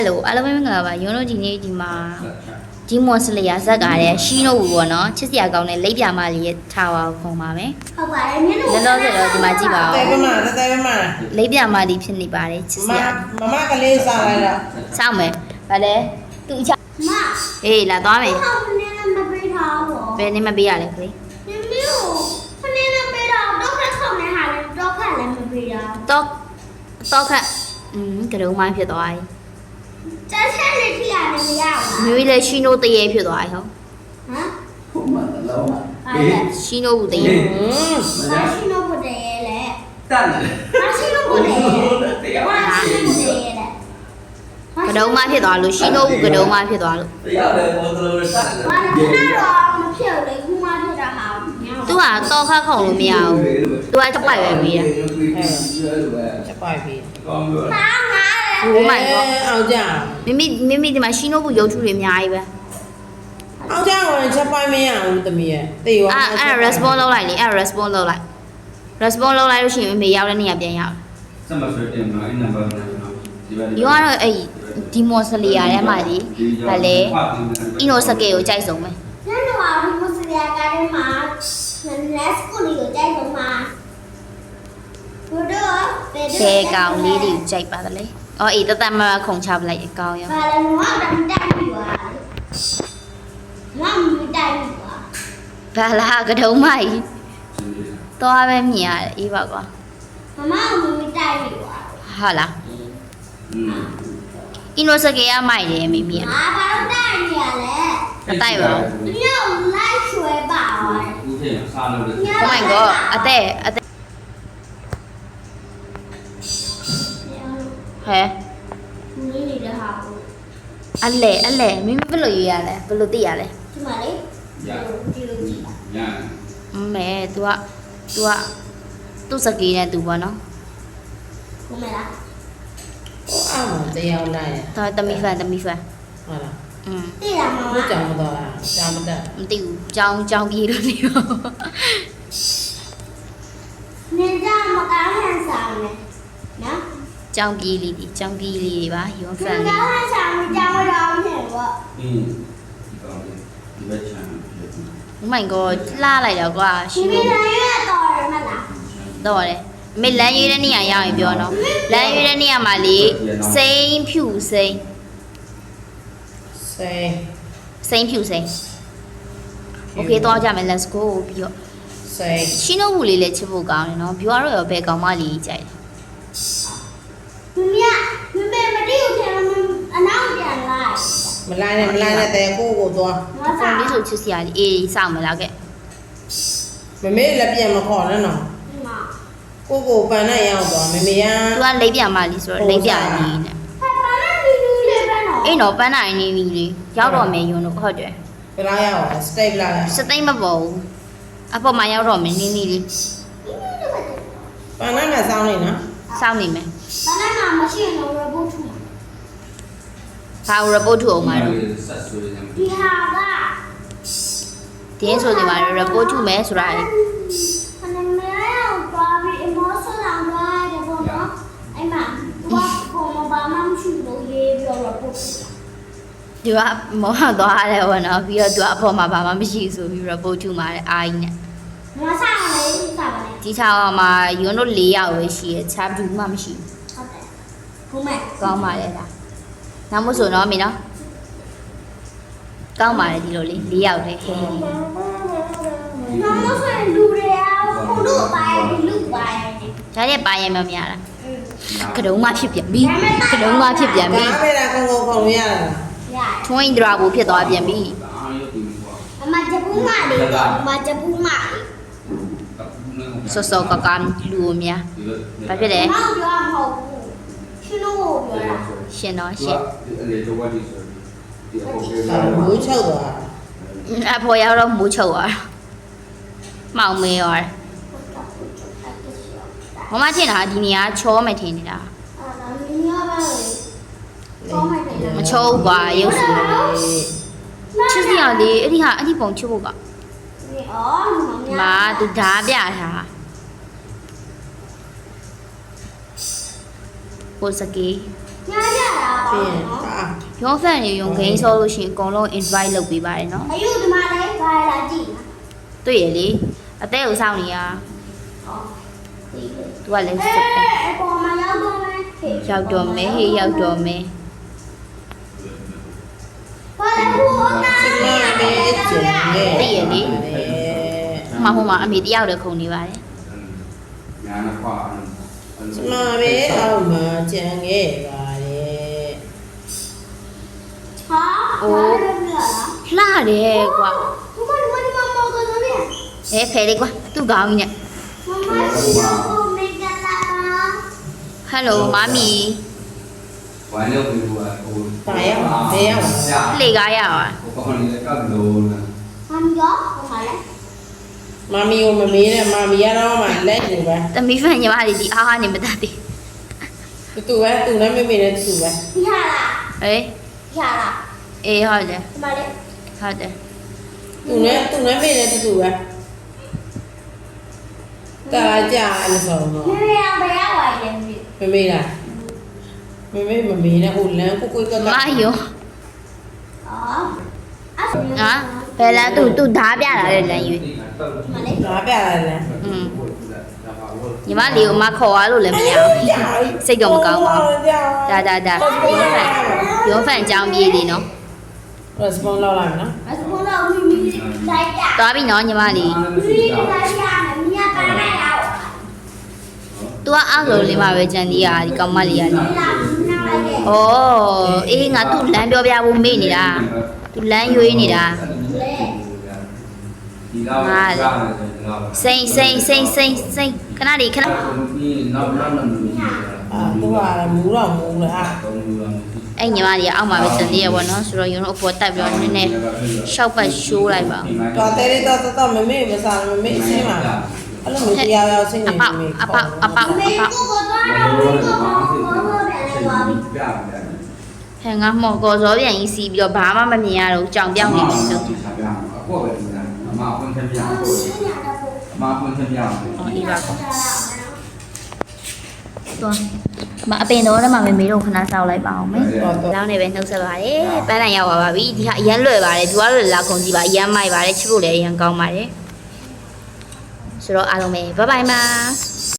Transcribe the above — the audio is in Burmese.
Hello အားလုံးပဲမင်္ဂလာပါရုံးတို့ဒီနေ့ဒီမှာဒီမွန်စလီယာဇက်ကလည်းရှီနိုဘူးပေါ့နော်ချစ်စရာကောင်းတဲ့လိပ်ပြာမလေးထားပါခုံပါမယ်ဟုတ်ပါတယ်မျက်နှာလောလောဆယ်တော့ဒီမှာကြည့်ပါဦးတဲပမလိပ်ပြာမလေးဖြစ်နေပါတယ်ချစ်စရာမကလေးစားလိုက်တော့စောင့်မယ်ဗါလဲသူအချမအေးလာသွားမယ်ဟောင်းနေမပေးထားဘူးဘယ်နေမပေးရလဲခလေးမမျိုးခနေမပေးတော့တော့ခက်ခေါင်းနေဟာလည်းတော့ခက်လည်းမပေးရတော့ခက်ကရုံးမိုင်းဖြစ်သွားပြီကျန်ချက်လေးထိရတယ်မရဘူးမျိုးလည်းရှီနိုတရေဖြစ်သွားပြီဟုတ်ဟမ်ဟုတ်မှန်တော့ရှီနိုဘူးတရေမရှိလို့ဘုဒ္ဓရဲ့လေတတ်တယ်မရှိလို့ဘုဒ္ဓရဲ့မရှိလို့ဘုဒ္ဓရဲ့လေကရုံးမိုင်းဖြစ်သွားလို့ရှီနိုဘူးကရုံးမိုင်းဖြစ်သွားလို့တရားတယ်ဘောကလေးတတ်တယ်ဘာလို့တော့မဖြစ်လေခုမှဖြစ်တာဟာသူကတော့ခတ်ခုံလို့မရဘူးသူကချက်ပိုက်ပဲပြီးတာချက်ပိုက်ပြီကောင်းလို့ဟာငါโอ้ my god အောင်ကြမိဒီမှာရှီနိုဘူးရုပ်ထုတွေအများကြီးပဲအောင်ကြဝင်ချက်ပိုက်မရဘူးတမီးရဲ့တေရောအဲ့ response လုပ်လိုက်လေအဲ့ response လုပ်လိုက် response လုပ်လိုက်လို့ရှိရင်မေရောက်တဲ့နေရာပြန်ရောက်စမဆွေတင်မှာအင်းနံပါတ်နဲ့နော်ဒီကတော့အဲ့ဒီမွန်စလီယာထဲမှာဒီဗာလေအီနိုစကေကိုကြိုက်ဆုံးပဲညနေမှာဒီမစရီယာကားထဲမှာ let's go လေးကိုကြိုက်ဆုံးမှာဘုဒ္ဓဘယ်ကောင်လေးတွေကိုကြိုက်ပါသလဲအော်အေးတသက်မခုံချပလိုက်အကောင်ရောဘာလဲငါတော့တိုက်ပြီပါငါမတိုက်ဘူးပါဘာလားကတုံးမကြီးသွားပဲမြင်ရတယ်အေးပါကွာမမမတိုက်ပြီပါဟုတ်လားအီနိုစကေကမိုက်တယ်မိမိကငါဘာလို့တိုက်နေရလဲမတိုက်ပါဘူးညို့လိုက်ဆွဲပါပါတယ်ဦးထင်စားလို့တယ် Oh my god အသက်ဟဲ့နင်းနေတဲ့ဟာကိုအလဲမိမိဘယ်လိုရွေးရလဲဘယ်လိုသိရလဲဒီမှာလေဒီလိုကြည့်ပါညာမဲ तू သူ့စကေးနဲ့ तू ပေါ့နော်ကိုမလားအော်တရားလိုက်ဒါတမီဖန်ဟုတ်လားသိလားမမကြောင်မတော်လားကြောင်မတက်မသိဘူးကြောင်းပြေးလို့နေရောနေကြမကားဟန်ဆောင်နေနော်ကြောင်းပြေးလေးတွေပါရုံးဖန်လေးကားဟန်ဆောင်ကြောင်းရောင်းနေပေါ့ဒီဘက်ချမ်း Oh my god လှလိုက်တော့ကွာရှင်ဒီလည်းရတော့ရမလားတော့တယ်မေလမ်းရွေးတဲ့နေရာရောက်ရင်ပြောနော်လမ်းရွေးတဲ့နေရာမှာလေစိမ့်ဖြူစိမ့်ဖြူစိမ့် Okay သွားကြမယ် let's go ပြီးတော့ရှင်းတော့ဘူးလေးလည်းချစ်ဖို့ကောင်းတယ်နော် view ကတော့ရောဘယ်ကောင်မလေးကြိုက်လဲမမတိကိုထဲအနောက်ပြန်လိုက်မလိုက်နဲ့တဲကိုသွားဖုန်းလေးဆိုချစ်စရာလေးအေးစောင့်မလားခဲ့မမေလည်းပြန်မခေါ်နဲ့နော်ကိုပန်နဲ့ရောက်သွားမမေကသူကလိပ်ပြမလေးဆိုတော့လိပ်ပြလေးနဲ့ပန်နဲ့နီနီလေးပဲနော်အေးတော့ပန်းနိုင်နေပြီလေရောက်တော့မယ်ယွန်းတို့ဟုတ်တယ်ဘယ်လောက်ရောက်လဲစတိတ်လာစတိတ်မပေါ်ဘူးအပေါ်မှာရောက်တော့မယ်နီနီလေးပန်နဲ့မှစောင်းနေနော်စောင်းနေမယ်ပန်နဲ့မှမရှိရင်တော့ report ထူဘာ report ထူအောင်မှာတော့ဒီဟာကတင်းဆိုဒီမှာ report ထူမယ်ဆိုတာလေဒီကမောဟသွားတယ်ဘောနော်ပြီးတော့သူအပေါ်မှာဘာမှမရှိဆိုပြီး report ထူမှာတဲ့အားကြီးနဲ့မစားရလေစားပါလေဒီချောင်းမှာယွန်းတို့၄ယောက်ပဲရှိရချားဘူးမှမရှိဘူးဟုတ်တယ်ဘုမဲကောင်းပါလေလားနောက်မို့ဆိုတော့မင်းနော်ကောင်းပါလေဒီလိုလေး၄ယောက်တည်းဟဲ့နောက်မို့ဆိုရင်လူတွေအားဘုလို့ပိုင်းလူပိုင်းဒါနဲ့ပါရင်မများလားကတုံးမဖြစ်ပြန်ပြီကတုံးမဖြစ်ပြန်ပြီဒါပဲလားကိုခုံရတာထွင်းဒရာဘူဖြစ်သွားပြန်ပြီအမဂျပူးမလေးမဂျပူးမစောကကန်လူမြာဘာဖြစ်လဲမောင်ပြောမဟုတ်ဘူးရှင်တို့ပြောတာရှင်တော့ရှင်မိုးချုပ်သွားအဖေရောက်တော့မိုးချုပ်သွားမောင်မေးရောမမထင်တာဒီနေရာချောမယ်ထင်နေတာမချောဘူးကွာရုပ်စုချစ်စရာလေးအဲ့ဒီပုံချစ်ဖို့ကမာသူဓာပြထားပိုစကေညာပြီးရင်အာရုံးဖန်နေရုံဂိမ်းဆောလို့ရှိရင်အကုန်လုံး invite လုပ်ပေးပါတယ်နော်အယူဒီမှာလည်းဘာလာကြည့်တွေ့ရလေအသေးကိုစောင့်နေရ သူကလည်းစစ်ပဲအပေါ်မှာရောက်တော့မယ်ရောက်တော့မယ်ဟေးရောက်တော့မယ်ဘာလဲဟိုနာစမလေးကျန်ရဲ့ဟိုမှာအမေတယောက်တည်းခုန်နေပါတယ်ညာနာခွာစမလေးအောက်မှာကျန်ခဲ့ပါတယ်ဟာဘာလဲမလားလှတယ်ကွာဒီမှာမော်ကတော့เนี่ยဖယ်လေးကွာသူ့ကောင်းကြီးနဲ့မမစီကိုမေကလာဟယ်လိုမမီဝိုင်းလို့ပြီးတော့ဟိုလေကားရပါဟိုကောင်လေးကပ်လို့လားမမ်ရောဟိုမှာလဲမမီကိုမမေးနဲ့မမီကတော့မှလက်နေပဲသမီးဖန်ညီမလေးဒီအားဟာနေမတတ်သေးတူပဲတူနဲ့မေမေနဲ့တူပဲဒီဟာလားဟေးဒီဟာလားအေးဟုတ်တယ်ဒီမှာလဲဟုတ်တယ်တူနဲ့မေနဲ့တူပဲတာကြာလို့ဆိုတော့ဒီရဘယ်ရောက်ပါလဲမသိမမေလားမမေနဲ့ဟိုလမ်းကိုကိုကမယုံအော်အဲ့ဟာဘယ်လားသူဓာပြလာတဲ့လမ်းရွေးဒီမှာလဲငါပြရတယ်လားညီမလေးကိုမခေါ်ရလို့လည်းမရဘူးစိတ်တော့မကောင်းပါဘူးဒါရုံးဖန်အကြောင်းပြေးသေးနော် response လောက်လိုက်နော်အစပေါ်တော့မိလိုက်တာသွားပြီနော်ညီမလေးမိလိုက်ရမယ်မြတ်ပါလိုက်ရအောင် तू ကအားဆိုလေးမှာပဲကြံသေးတာဒီကောင်မလေးကလေလာနာလိုက်တယ်ဩအေးငါသူ့လမ်းပြောပြဖို့မေ့နေတာသူလမ်းရွေးနေတာဒီတော့ကားတယ်ဒီတော့စိန်ခဏလေးခဏဒီနောက်နောက်နောက်နေအာသူကမူတော့မူလားတော့လူလာအဲ့ညီမလေးကအောက်မှာပဲကြံသေးရပေါ့နော်ဆိုတော့ရုံတော့အပေါ်တက်ပြီးတော့နည်းနည်းရှောက်ပတ်ရှိုးလိုက်ပါတော်တယ်တော့မမေမစားမမေဆင်းပါအဲ့လိုမျိုးတရားရောက်ဆင်းနေအပေါက်မေအပေါက်အပေါက်အမေပေါက်ကိုကတော့တော့ကိုကတော့ပြန်သွားပြီပြပြဟဲ့ငါမော်ကော်စောပြန်ကြီးစီးပြီးတော့ဘာမှမမြင်ရတော့ကြောင်ပြောင်းနေပြီဆိုပြပြအခုပဲဒီကအမအဖွင့်ထပြအောင်အမအဖွင့်ထပြအောင်အော်အေးပါကောသွားမအပင်တော့လည်းမမေတို့ခဏစောက်လိုက်ပါအောင်မယ် လောင်းနေပဲနှုတ်ဆက်ပါတယ်ပန်းနိုင်ရောက်ပါပြီဒီဟာအရန်လွယ်ပါတယ်သူကတော့လာကုန်ကြည့်ပါအရန်မိုက်ပါတယ်ချစ်ဖို့လည်းအရန်ကောင်းပါတယ်ဆိုတော့အားလုံးပဲဘိုင်ဘိုင်ပါ